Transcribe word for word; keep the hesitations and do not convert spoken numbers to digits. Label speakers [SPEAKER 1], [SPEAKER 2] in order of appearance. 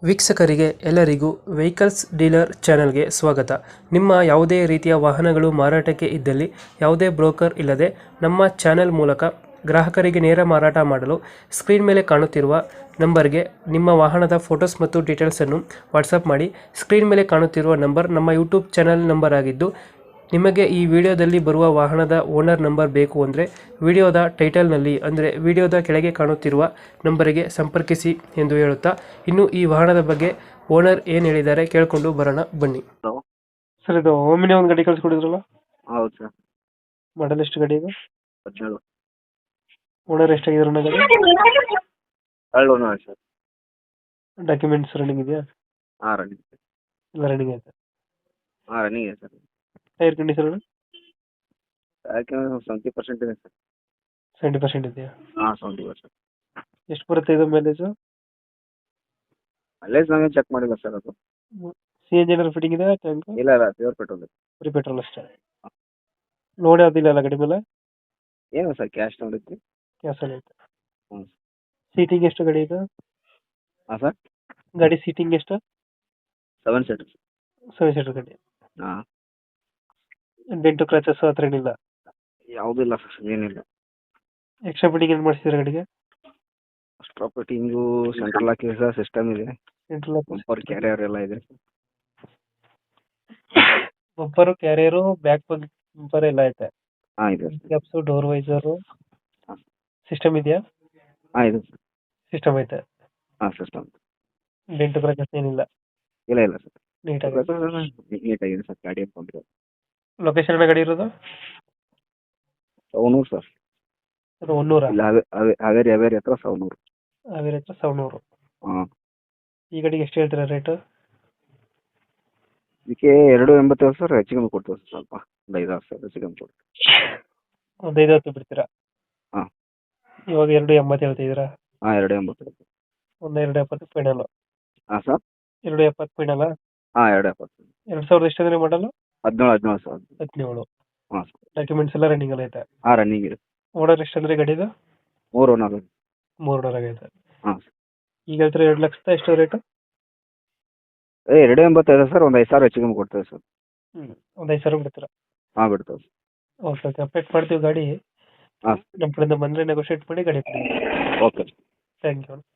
[SPEAKER 1] ವೀಕ್ಷಕರಿಗೆ ಎಲ್ಲರಿಗೂ vehicles dealer ಚಾನೆಲ್ಗೆ ಸ್ವಾಗತ. ನಿಮ್ಮ ಯಾವುದೇ ರೀತಿಯ ವಾಹನಗಳು ಮಾರಾಟಕ್ಕೆ ಇದ್ದಲ್ಲಿ ಯಾವುದೇ ಬ್ರೋಕರ್ ಇಲ್ಲದೆ ನಮ್ಮ ಚಾನೆಲ್ ಮೂಲಕ ಗ್ರಾಹಕರಿಗೆ ನೇರ ಮಾರಾಟ ಮಾಡಲು ಸ್ಕ್ರೀನ್ ಮೇಲೆ ಕಾಣುತ್ತಿರುವ ನಂಬರ್ಗೆ ನಿಮ್ಮ ವಾಹನದ ಫೋಟೋಸ್ ಮತ್ತು ಡೀಟೇಲ್ಸನ್ನು ವಾಟ್ಸಪ್ ಮಾಡಿ. ಸ್ಕ್ರೀನ್ ಮೇಲೆ ಕಾಣುತ್ತಿರುವ ನಂಬರ್ ನಮ್ಮ ಯೂಟ್ಯೂಬ್ ಚಾನೆಲ್ ನಂಬರ್ ಆಗಿದ್ದು, ನಿಮಗೆ ಈ ವಿಡಿಯೋದಲ್ಲಿ ಬರುವ ವಾಹನದ ಓನರ್ ನಂಬರ್ ಬೇಕು ಅಂದರೆ ವಿಡಿಯೋದ ಟೈಟಲ್ನಲ್ಲಿ ಅಂದರೆ ವಿಡಿಯೋದ ಕೆಳಗೆ ಕಾಣುತ್ತಿರುವ ನಂಬರಿಗೆ ಸಂಪರ್ಕಿಸಿ ಎಂದು ಹೇಳುತ್ತಾ, ಇನ್ನು ಈ ವಾಹನದ ಬಗ್ಗೆ ಓನರ್ ಏನು ಹೇಳಿದ್ದಾರೆ ಕೇಳಿಕೊಂಡು ಬರೋಣ ಬನ್ನಿ.
[SPEAKER 2] ಹಲೋ.
[SPEAKER 1] ಸರ್, ಇದು ಓಮಿನಿ ಒಂದು ಗಾಡಿ ಕಳಿಸ್ಕೊಡಿದ್ರಲ್ಲ,
[SPEAKER 2] ಹೌದು ಸರ್.
[SPEAKER 1] ಮಾಡಲ್ ಎಷ್ಟು ಗಾಡಿ ಇದು?
[SPEAKER 2] ಹದಿನೇಳು.
[SPEAKER 1] ಓನರ್ ಎಷ್ಟಾಗಿದ್ರು ಗಾಡಿ?
[SPEAKER 2] ಎರಡು ಓನರ್ ಸರ್.
[SPEAKER 1] ಡಾಕ್ಯುಮೆಂಟ್ಸ್ ರನ್ನಿಂಗ್ ಇದೆಯಾ?
[SPEAKER 2] ಹಾಂ ರನ್ನಿಂಗ್.
[SPEAKER 1] ಎಲ್ಲ ರನ್ನಿಂಗ್ ಆಯ್ತಾ?
[SPEAKER 2] ಹಾಂ ರನ್ನಿಂಗ್ ಇದೆ ಸರ್.
[SPEAKER 1] ಟೈರ್ ಕಂಡೀಷನ್
[SPEAKER 2] ಯಾಕೆ ಸೆವೆಂಟಿ ಪರ್ಸೆಂಟ್ ಇದೆ ಸರ್.
[SPEAKER 1] ಸೆವೆಂಟಿ ಪರ್ಸೆಂಟ್ ಇದೆಯಾ?
[SPEAKER 2] ಹಾಂ ಸೆವೆಂಟಿ ಪರ್ಸೆಂಟ್.
[SPEAKER 1] ಎಷ್ಟು ಬರುತ್ತೆ ಇದು ಮೈಲೇಜು?
[SPEAKER 2] ಅಲ್ಲೇ ನಾವೇ ಚೆಕ್ ಮಾಡಿಲ್ಲ ಸರ್ ಅದು.
[SPEAKER 1] ಸಿ ಎನ್ ಜಿ ಏನಾದ್ರು ಫಿಟ್ಟಿಂಗ್ ಇದೆ ಟ್ಯಾಂಕ್?
[SPEAKER 2] ಇಲ್ಲ ಇಲ್ಲ ಪ್ಯೂರ್ ಪೆಟ್ರೋಲ್.
[SPEAKER 1] ಬರೀ ಪೆಟ್ರೋಲ್ ಅಷ್ಟೇ. ಲೋಡ್ ಯಾವುದಿಲ್ಲ ಅಲ್ಲ ಗಾಡಿ ಮೇಲೆ?
[SPEAKER 2] ಏನು ಸರ್ ಕ್ಯಾಶ್ ನೋಡಿದ್ರಿ?
[SPEAKER 1] ಕ್ಯಾಸಲ್ಲಿ ಐತೆ.
[SPEAKER 2] ಹ್ಞೂ.
[SPEAKER 1] ಸೀಟಿಂಗ್ ಎಷ್ಟು ಗಾಡಿ ಇದು?
[SPEAKER 2] ಹಾಂ ಸರ್.
[SPEAKER 1] ಗಾಡಿ ಸೀಟಿಂಗ್ ಎಷ್ಟು?
[SPEAKER 2] Seven seater.
[SPEAKER 1] ಸೆವೆನ್ ಸೀಟರ್ ಗಾಡಿ.
[SPEAKER 2] ಹಾಂ.
[SPEAKER 1] ಡೆಂಟು ಕ್ರಾಚಸ್ ಹತ್ರ ಏನಿಲ್ಲ?
[SPEAKER 2] ಯಾವುದೂ ಇಲ್ಲ ಸರ್, ಏನಿಲ್ಲ.
[SPEAKER 1] ಎಕ್ಸ್ಟ್ರಾ ಫಿಟ್ಟಿಂಗ್ ಏನು ಮಾಡಿಸಿದ್ರೆ ಗಾಡಿಗೆ?
[SPEAKER 2] ಅಷ್ಟ್ರಾ ಫಿಟ್ಟಿಂಗು, ಸೆಂಟ್ರಲ್ ಲಾಕ್ ಇದೆ ಸರ್, ಸಿಸ್ಟಮ್ ಇದೆ,
[SPEAKER 1] ಸೆಂಟ್ರಲ್
[SPEAKER 2] ಬಂಪರ್ ಕ್ಯಾರಿಯರ್ ಎಲ್ಲ ಇದೆ.
[SPEAKER 1] ಬಂಪರು, ಕ್ಯಾರಿಯರು, ಬ್ಯಾಕ್ ಬಂಪರ್ ಎಲ್ಲ ಐತೆ.
[SPEAKER 2] ಹಾಂ ಇದೆ ಸರ್.
[SPEAKER 1] ಕ್ಯಾಪ್ಸು, ಡೋರ್ ವೈಸರು,
[SPEAKER 2] ಹಾಂ.
[SPEAKER 1] ಸಿಸ್ಟಮ್ ಇದೆಯಾ?
[SPEAKER 2] ಹಾಂ ಇದೆ ಸರ್.
[SPEAKER 1] ಸಿಸ್ಟಮ್ ಐತೆ.
[SPEAKER 2] ಹಾಂ ಸಿಸ್ಟಮ್.
[SPEAKER 1] ಡೆಂಟು ಕ್ರಾಚಸ್ ಏನಿಲ್ಲ?
[SPEAKER 2] ಇಲ್ಲ ಇಲ್ಲ ಸರ್.
[SPEAKER 1] ನೀಟಾಗಿ
[SPEAKER 2] ನೀಟಾಗಿದೆ ಸರ್ ಗಾಡಿ ಅನ್ಕೊಂಡ್ರೆ.
[SPEAKER 1] ಲೊಕೇಶನ್ ಗಾಡಿ ಇರೋದು?
[SPEAKER 2] ಸವಣೂರು ಸರ್.
[SPEAKER 1] ಅದು ಒನ್ನೂರ?
[SPEAKER 2] ಇಲ್ಲ ಹಾವೇ ಹಾವೇ ಹಾವೇರಿ ಹಾವೇರಿ ಹತ್ರ ಸವಣೂರು.
[SPEAKER 1] ಹಾವೇರಿ ಹತ್ರ ಸವಣೂರು.
[SPEAKER 2] ಹಾಂ.
[SPEAKER 1] ಈ ಗಾಡಿಗೆ ಎಷ್ಟು ಹೇಳ್ತೀರಾ ರೇಟು?
[SPEAKER 2] ಇದಕ್ಕೆ ಎರಡು ಎಂಬತ್ತೈದು ಸರ್, ಹೆಚ್ಚು ಕಮ್ಮಿ ಕೊಡ್ತೀವಿ ಸರ್, ಸ್ವಲ್ಪ ಒಂದು ಐದು ಆರು ಸಾವಿರ ಹೆಚ್ಚು ಕಮ್ಮಿ ಕೊಡ್ತೀವಿ.
[SPEAKER 1] ಒಂದು ಐದು ಹತ್ತು ಬಿಡ್ತೀರಾ?
[SPEAKER 2] ಹಾಂ.
[SPEAKER 1] ಇವಾಗ ಎರಡು ಎಂಬತ್ತು ಹೇಳ್ತಿದ್ದೀರಾ?
[SPEAKER 2] ಹಾಂ ಎರಡು ಎಂಬತ್ತೈದು.
[SPEAKER 1] ಒಂದು ಎರಡು ಎಪ್ಪತ್ತು ಫೈನಲ್?
[SPEAKER 2] ಹಾಂ ಸರ್.
[SPEAKER 1] ಎರಡು ಎಪ್ಪತ್ತು ಫೈನಲ್ಲ?
[SPEAKER 2] ಹಾಂ ಎರಡು ಎಪ್ಪತ್ತು.
[SPEAKER 1] ಎರಡು ಸಾವಿರದ ಎಷ್ಟು ಅಂದರೆ ಮಾಡಲು?
[SPEAKER 2] ಹದಿನೇಳು ಹದಿನೇಳು ಸರ್.
[SPEAKER 1] ಹದಿನೇಳು.
[SPEAKER 2] ಹಾಂ ಸರ್.
[SPEAKER 1] ಡಾಕ್ಯುಮೆಂಟ್ಸ್ ಎಲ್ಲ ರನ್ನಿಂಗ್ ಎಲ್ಲ ಐತೆ?
[SPEAKER 2] ಹಾಂ ರನ್ನಿಂಗ್ ಇದೆ.
[SPEAKER 1] ಓನರ್ ಎಷ್ಟು ಅಂದರೆ ಗಾಡಿದು?
[SPEAKER 2] ಮೂರು ಓನರ್.
[SPEAKER 1] ಮೂರು ಓನರ್ ಆಗೈತೆ.
[SPEAKER 2] ಹಾಂ ಸರ್.
[SPEAKER 1] ಈಗ ಹೇಳ್ತಾರೆ ಎರಡು ಲಕ್ಷದ ಎಷ್ಟು ರೇಟು?
[SPEAKER 2] ಏ ಎರಡು ಎಂಬತ್ತೈದು ಸರ್, ಒಂದು ಐದು ಸಾವಿರ ಹೆಚ್ಚು ಕಮ್ಮಿ ಕೊಡ್ತೇವೆ ಸರ್.
[SPEAKER 1] ಹ್ಞೂ ಒಂದು ಐದು ಸಾವಿರ ಬಿಡ್ತೀರಾ?
[SPEAKER 2] ಹಾಂ ಬಿಡ್ತೇವೆ ಸರ್.
[SPEAKER 1] ಓಕೆ ಓಕೆ, ಅಪ್ಡೇಟ್ ಮಾಡ್ತೀವಿ ಗಾಡಿ.
[SPEAKER 2] ಹಾಂ
[SPEAKER 1] ನಮ್ಮ ಕಡೆಯಿಂದ ಬಂದರೆ ನೆಗೋಷಿಯೇಟ್ ಮಾಡಿ ಗಾಡಿ ಕೊಡಿ.
[SPEAKER 2] ಓಕೆ.
[SPEAKER 1] Thank you.